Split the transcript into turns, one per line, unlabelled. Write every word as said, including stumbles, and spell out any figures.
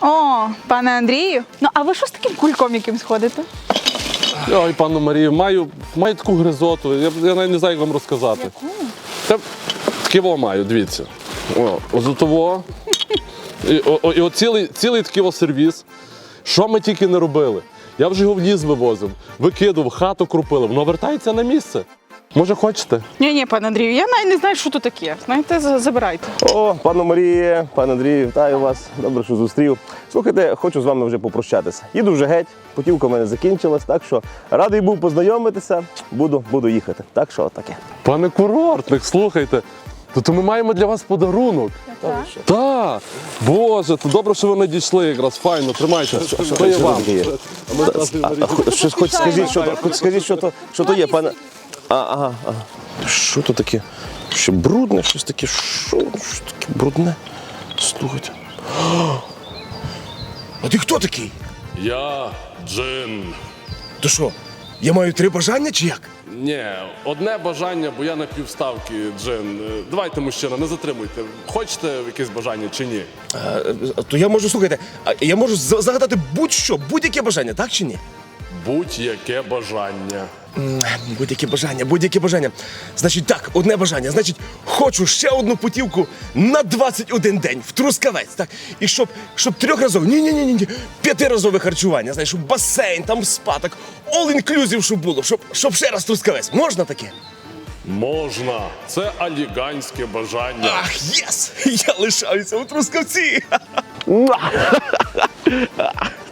О, пане Андрію. Ну, а ви що з таким кульком якимсь ходите?
Ой, пану Марію, маю, маю таку гризоту, я, я навіть не знаю, як вам розказати.
Яку?
Та таке маю, дивіться. О, ось того. І, о, о, і от цілий, цілий такий о сервіс. Що ми тільки не робили? Я вже його в ліс вивозив, викидав, хату крупили, воно вертається на місце. Може, хочете?
Ні-ні, пане Андрію, я навіть не знаю, що тут таке. Знаєте, за- забирайте.
О, пану Маріє, пан Андрію, вітаю вас. Добре, що зустрів. Слухайте, хочу з вами вже попрощатися. Їду вже геть, путівка в мене закінчилась, так що радий був познайомитися, буду, буду їхати. Так що таке.
Пане курортник, слухайте, то, то ми маємо для вас подарунок.
Так.
Так, Боже, то добре, що ви надійшли якраз, файно, тримайте. Що є вам?
таке є?
А ми якраз і
А,
Марію.
хоч, щось хоч скажіть, що, то- хоч скажіть, що то, що то є, пане. А, ага, ага. Що то таке? Що брудне, щось таке, що, що таке брудне? Слухайте. А ти хто такий?
Я Джин.
То що, я маю три бажання чи як?
Ні, одне бажання, бо я на півставки, Джин. Е, Давайте, мужчина, не затримуйте. Хочете якесь бажання чи ні?
А, то я можу, слухайте, а я можу з- загадати будь-що, будь-яке бажання, так чи ні?
Будь-яке бажання.
М, Будь-яке бажання, будь-яке бажання. Значить, так, одне бажання. Значить, хочу ще одну путівку на двадцять один день в Трускавець, так? І щоб, щоб трьохразове, ні-ні-ні, ні, п'ятиразове харчування, знаєш, щоб басейн, там спа, так, all-inclusive, щоб було, щоб, щоб ще раз Трускавець. Можна таке?
Можна. Це аліганське бажання.
Ах, єс! Я лишаюся у Трускавці!